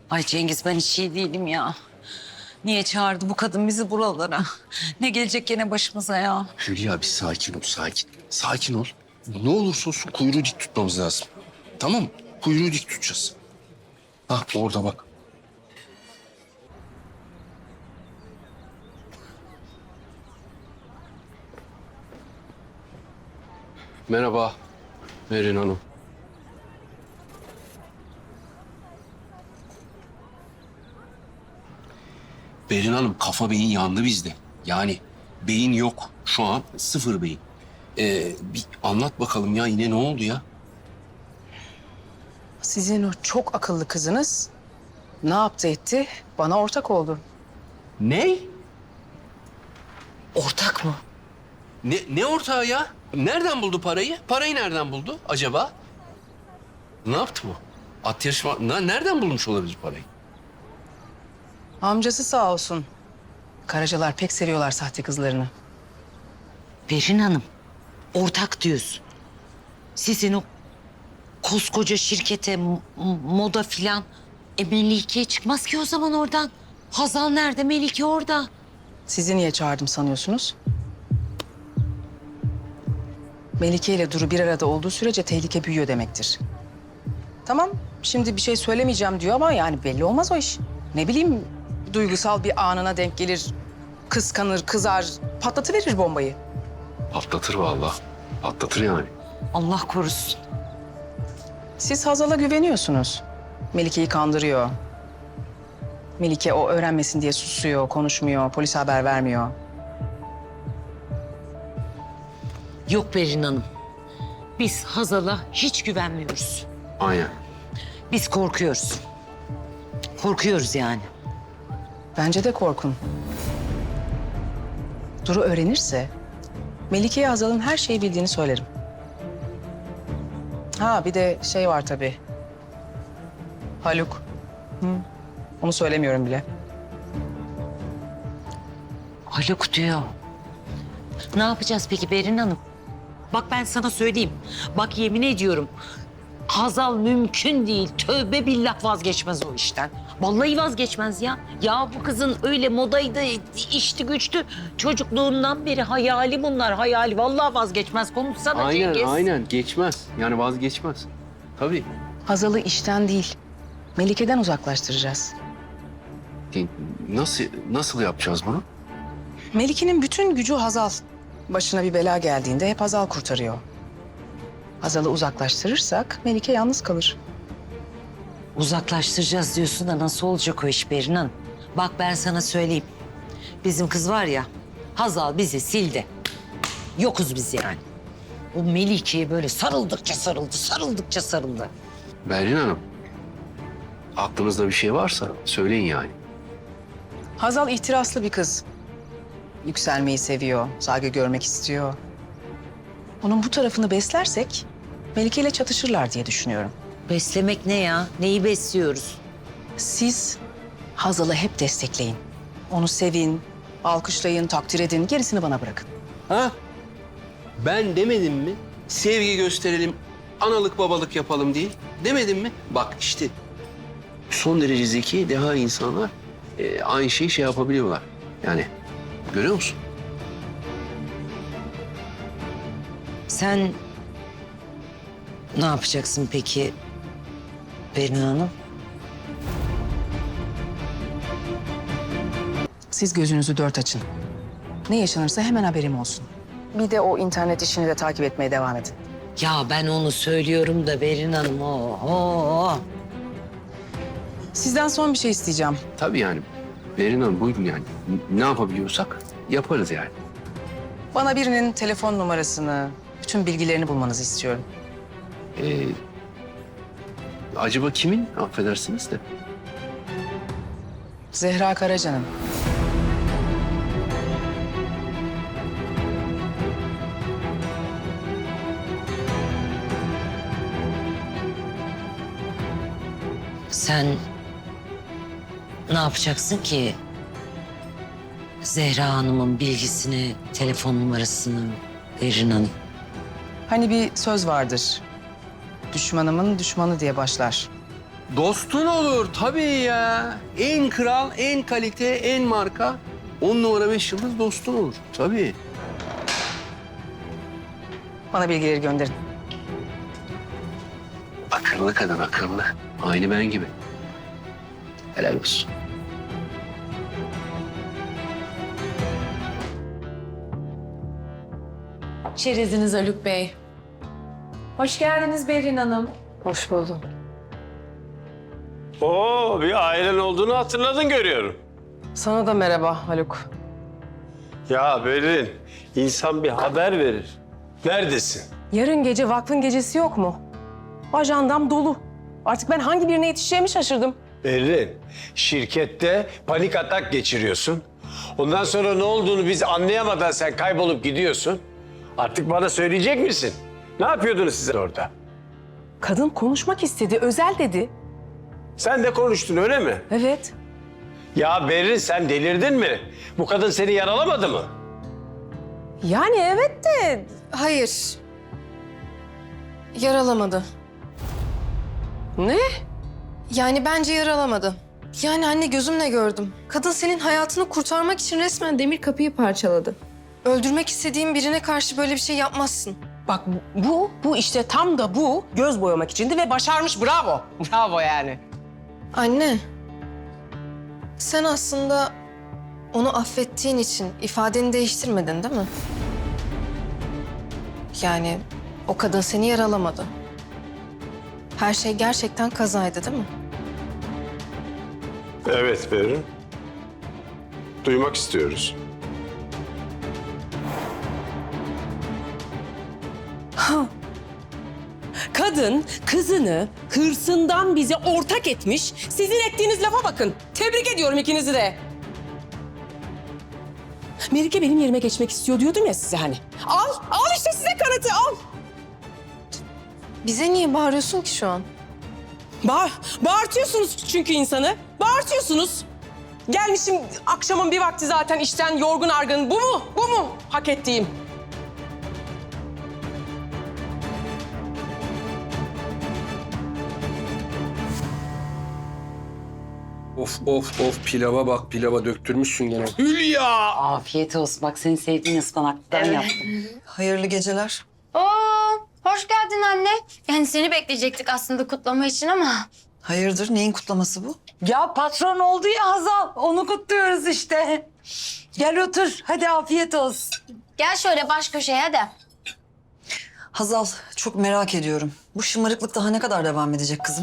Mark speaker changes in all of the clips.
Speaker 1: Ay Cengiz ben hiç iyi değilim ya. Niye çağırdı bu kadın bizi buralara? Ne gelecek gene başımıza ya?
Speaker 2: Hülya bir sakin ol, sakin. Sakin ol. Ne olursa olsun kuyruğu dik tutmamız lazım. Tamam mı? Kuyruğu dik tutacağız. Hah orada bak. Merhaba Merin Hanım. Berin Hanım kafa beyin yandı bizde. Yani beyin yok. Şu an sıfır beyin. Bir anlat bakalım ya yine ne oldu ya?
Speaker 3: Sizin o çok akıllı kızınız ne yaptı etti? Bana ortak oldu.
Speaker 2: Ne?
Speaker 1: Ortak mı?
Speaker 2: Ne ortağı ya? Nereden buldu parayı? Parayı nereden buldu acaba? Ne yaptı bu? At yarışma... Nereden bulmuş olabilir parayı?
Speaker 3: Amcası sağ olsun. Karacalar pek seviyorlar sahte kızlarını.
Speaker 1: Berin Hanım, ortak diyorsun. Sizin o koskoca şirkete moda filan. Melike çıkmaz ki o zaman oradan. Hazal nerede? Melike orada.
Speaker 3: Sizi niye çağırdım sanıyorsunuz? Melike ile Duru bir arada olduğu sürece tehlike büyüyor demektir. Tamam, şimdi bir şey söylemeyeceğim diyor ama yani belli olmaz o iş. Ne bileyim, duygusal bir anına denk gelir, kıskanır, kızar, patlatıverir bombayı.
Speaker 2: Patlatır vallahi. Patlatır yani.
Speaker 1: Allah korusun.
Speaker 3: Siz Hazal'a güveniyorsunuz. Melike'yi kandırıyor. Melike o öğrenmesin diye susuyor, konuşmuyor, polise haber vermiyor.
Speaker 1: Yok Berin Hanım. Biz Hazal'a hiç güvenmiyoruz.
Speaker 2: Aynen.
Speaker 1: Biz korkuyoruz. Korkuyoruz yani.
Speaker 3: Bence de korkun. Duru öğrenirse Melike'ye Hazal'ın her şeyi bildiğini söylerim. Ha bir de şey var tabii. Haluk. Hı. Onu söylemiyorum bile.
Speaker 1: Haluk diyor. Ne yapacağız peki Berin Hanım? Bak ben sana söyleyeyim. Bak yemin ediyorum. Hazal mümkün değil. Tövbe billah vazgeçmez o işten. Vallahi vazgeçmez ya. Ya bu kızın öyle modaydı, içti güçtü. Çocukluğundan beri hayali bunlar, hayali. Vallahi vazgeçmez. Konuşsana Cengiz.
Speaker 2: Aynen geçmez. Yani vazgeçmez. Tabii.
Speaker 3: Hazal'ı işten değil, Melike'den uzaklaştıracağız.
Speaker 2: Nasıl yapacağız bunu?
Speaker 3: Melike'nin bütün gücü Hazal. Başına bir bela geldiğinde hep Hazal kurtarıyor. Hazal'ı uzaklaştırırsak Melike yalnız kalır.
Speaker 1: Uzaklaştıracağız diyorsun da nasıl olacak o iş Berin Hanım? Bak ben sana söyleyeyim. Bizim kız var ya, Hazal bizi sildi. Yokuz biz yani. O Melike'ye böyle sarıldıkça sarıldı, sarıldıkça sarıldı.
Speaker 2: Berin Hanım. Aklınızda bir şey varsa söyleyin yani.
Speaker 3: Hazal ihtiraslı bir kız. Yükselmeyi seviyor, saygı görmek istiyor. Onun bu tarafını beslersek Melike ile çatışırlar diye düşünüyorum.
Speaker 1: Beslemek ne ya? Neyi besliyoruz?
Speaker 3: Siz Hazal'ı hep destekleyin. Onu sevin, alkışlayın, takdir edin. Gerisini bana bırakın.
Speaker 2: Ha? Ben demedim mi? Sevgi gösterelim, analık babalık yapalım diye. Demedim mi? Bak işte son derece zeki, deha insanlar aynı şeyi şey yapabiliyorlar. Yani görüyor musun?
Speaker 1: Sen ne yapacaksın peki Berin Hanım?
Speaker 3: Siz gözünüzü dört açın. Ne yaşanırsa hemen haberim olsun. Bir de o internet işini de takip etmeye devam edin.
Speaker 1: Ya ben onu söylüyorum da Berin Hanım. Oho.
Speaker 3: Sizden son bir şey isteyeceğim.
Speaker 2: Tabii yani. Berin Hanım buyurun yani. Ne yapabiliyorsak yaparız yani.
Speaker 3: Bana birinin telefon numarasını, bütün bilgilerini bulmanızı istiyorum.
Speaker 2: Acaba kimin? Affedersiniz de.
Speaker 3: Zehra Karaca'nın.
Speaker 1: Sen ne yapacaksın ki? Zehra Hanım'ın bilgisini, telefon numarasını Berin Hanım.
Speaker 3: Hani bir söz vardır. Düşmanımın düşmanı diye başlar.
Speaker 2: Dostun olur tabii ya. En kral, en kalite, en marka. 10 numara 5 yıldız dostun olur. Tabii.
Speaker 3: Bana bilgileri gönderin.
Speaker 2: Akıllı kadın, akıllı. Aynı ben gibi. Helal olsun.
Speaker 4: Çereziniz Haluk Bey. Hoş geldiniz Berrin Hanım.
Speaker 3: Hoş buldum.
Speaker 5: Oo, bir ailen olduğunu hatırladın görüyorum.
Speaker 3: Sana da merhaba Haluk.
Speaker 5: Ya Berin, insan bir haber verir. Neredesin?
Speaker 6: Yarın gece vakfın gecesi yok mu? Ajandam dolu. Artık ben hangi birine yetişeceğimi şaşırdım.
Speaker 5: Berin, şirkette panik atak geçiriyorsun. Ondan sonra ne olduğunu biz anlayamadan sen kaybolup gidiyorsun. Artık bana söyleyecek misin? Ne yapıyordunuz siz orada?
Speaker 6: Kadın konuşmak istedi, özel dedi.
Speaker 5: Sen de konuştun öyle mi?
Speaker 6: Evet.
Speaker 5: Ya Berin sen delirdin mi? Bu kadın seni yaralamadı mı?
Speaker 6: Yani evet de...
Speaker 4: Hayır. Yaralamadı.
Speaker 6: Ne?
Speaker 4: Yani bence yaralamadı. Yani anne gözümle gördüm. Kadın senin hayatını kurtarmak için resmen demir kapıyı parçaladı. Öldürmek istediğin birine karşı böyle bir şey yapmazsın.
Speaker 6: Bak bu işte tam da bu göz boyamak içindi ve başarmış, bravo. Bravo yani.
Speaker 4: Anne, sen aslında onu affettiğin için ifadeni değiştirmedin değil mi? Yani o kadın seni yaralamadı. Her şey gerçekten kazaydı değil mi?
Speaker 5: Evet Berin. Duymak istiyoruz.
Speaker 6: Kadın kızını hırsından bize ortak etmiş. Sizin ettiğiniz lafa bakın. Tebrik ediyorum ikinizi de. Melike benim yerime geçmek istiyor diyordum ya size hani. Al işte size kanıtı al.
Speaker 4: Bize niye bağırıyorsun ki şu an?
Speaker 6: Bağırtıyorsunuz çünkü insanı. Bağırtıyorsunuz. Gelmişim akşamın bir vakti zaten işten yorgun argın. Bu mu? Bu mu hak ettiğim?
Speaker 2: Of of of pilava bak, pilava döktürmüşsün gene. Hülya!
Speaker 1: Afiyet olsun. Bak senin sevdiğin ıspanaktan yaptım.
Speaker 7: Hayırlı geceler.
Speaker 8: Oo, hoş geldin anne. Yani seni bekleyecektik aslında kutlama için ama.
Speaker 7: Hayırdır? Neyin kutlaması bu?
Speaker 1: Ya patron oldu ya Hazal. Onu kutluyoruz işte. Gel otur. Hadi afiyet olsun.
Speaker 8: Gel şöyle baş köşeye de.
Speaker 7: Hazal, çok merak ediyorum. Bu şımarıklık daha ne kadar devam edecek kızım?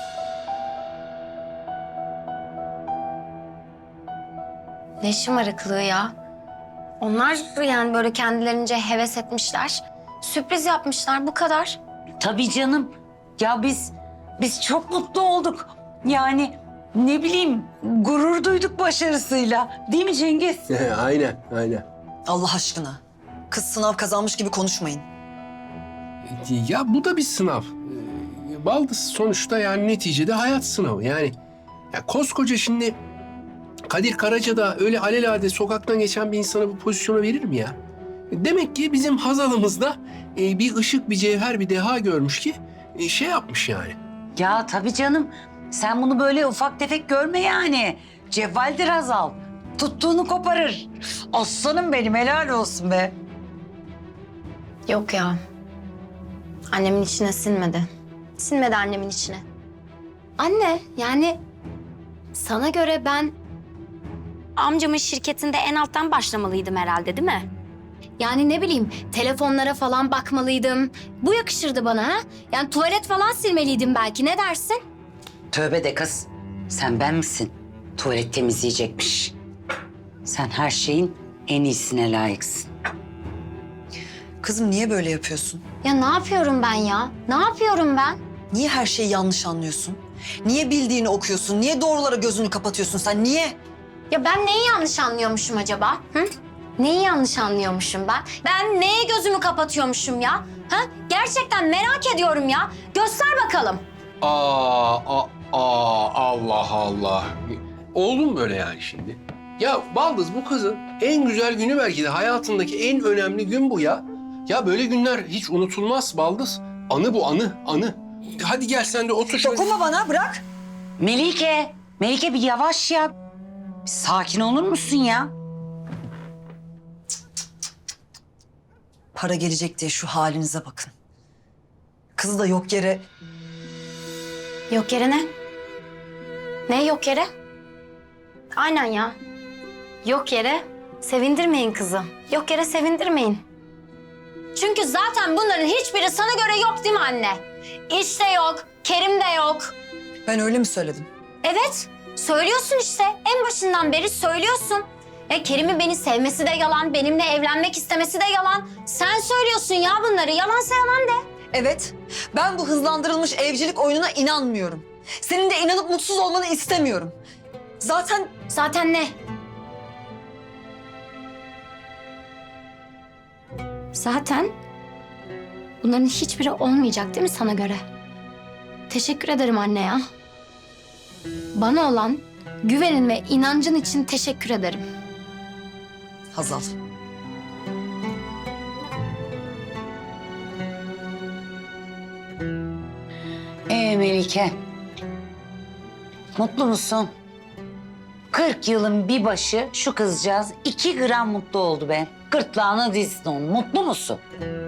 Speaker 8: Ne şımarıklığı ya. Onlar yani böyle kendilerince heves etmişler. Sürpriz yapmışlar bu kadar.
Speaker 1: Tabii canım. Ya biz çok mutlu olduk. Yani ne bileyim gurur duyduk başarısıyla. Değil mi Cengiz?
Speaker 2: Aynen, aynen.
Speaker 7: Allah aşkına. Kız sınav kazanmış gibi konuşmayın.
Speaker 2: Ya bu da bir sınav. Baldız sonuçta yani neticede hayat sınavı. Yani ya koskoca şimdi Kadir Karaca da öyle alelade sokaktan geçen bir insana bu pozisyona verir mi ya? Demek ki bizim Hazal'ımızda bir ışık, bir cevher, bir deha görmüş ki şey yapmış yani.
Speaker 1: Ya tabii canım. Sen bunu böyle ufak tefek görme yani. Cevvaldir Hazal. Tuttuğunu koparır. Aslanım benim, helal olsun be.
Speaker 8: Yok ya. Annemin içine sinmedi. Sinmedi annemin içine. Anne yani sana göre ben amcamın şirketinde en alttan başlamalıydım herhalde değil mi? Yani ne bileyim telefonlara falan bakmalıydım. Bu yakışırdı bana ha? Yani tuvalet falan silmeliydim belki, ne dersin?
Speaker 1: Tövbe de kız. Sen ben misin? Tuvalet temizleyecekmiş. Sen her şeyin en iyisine layıksın.
Speaker 7: Kızım niye böyle yapıyorsun?
Speaker 8: Ya ne yapıyorum ben ya? Ne yapıyorum ben?
Speaker 7: Niye her şeyi yanlış anlıyorsun? Niye bildiğini okuyorsun? Niye doğrulara gözünü kapatıyorsun sen? Niye?
Speaker 8: Ya ben neyi yanlış anlıyormuşum acaba? Hı? Neyi yanlış anlıyormuşum ben? Ben neye gözümü kapatıyormuşum ya? Ha? Gerçekten merak ediyorum ya. Göster bakalım.
Speaker 2: Allah Allah. Oldu mu böyle yani şimdi? Ya Baldız bu kızın en güzel günü belki de hayatındaki en önemli gün bu ya. Ya böyle günler hiç unutulmaz Baldız. Anı bu, anı. Hadi gel sen de otur şöyle.
Speaker 7: Dokunma bana, bırak.
Speaker 1: Melike, Melike bir yavaş ya. Bir sakin olur musun ya?
Speaker 7: Para gelecek diye şu halinize bakın. Kızı da yok yere...
Speaker 8: Yok yere ne? Ne yok yere? Aynen ya. Yok yere sevindirmeyin kızı. Yok yere sevindirmeyin. Çünkü zaten bunların hiçbiri sana göre yok değil mi anne? İş de yok, Kerim de yok.
Speaker 7: Ben öyle mi söyledim?
Speaker 8: Evet, söylüyorsun işte. En başından beri söylüyorsun. Kerim'in beni sevmesi de yalan, benimle evlenmek istemesi de yalan. Sen söylüyorsun ya bunları. Yalansa yalan de.
Speaker 7: Evet, ben bu hızlandırılmış evcilik oyununa inanmıyorum. Senin de inanıp mutsuz olmanı istemiyorum. Zaten
Speaker 8: Zaten ne? Zaten bunların hiçbiri olmayacak değil mi sana göre? Teşekkür ederim anne ya. Bana olan güvenin ve inancın için teşekkür ederim.
Speaker 7: Hazal.
Speaker 1: Melike. Mutlu musun? 40 yılın bir başı şu kızcağız 2 gram mutlu oldu be. Gırtlağına dizdin onu. Mutlu musun?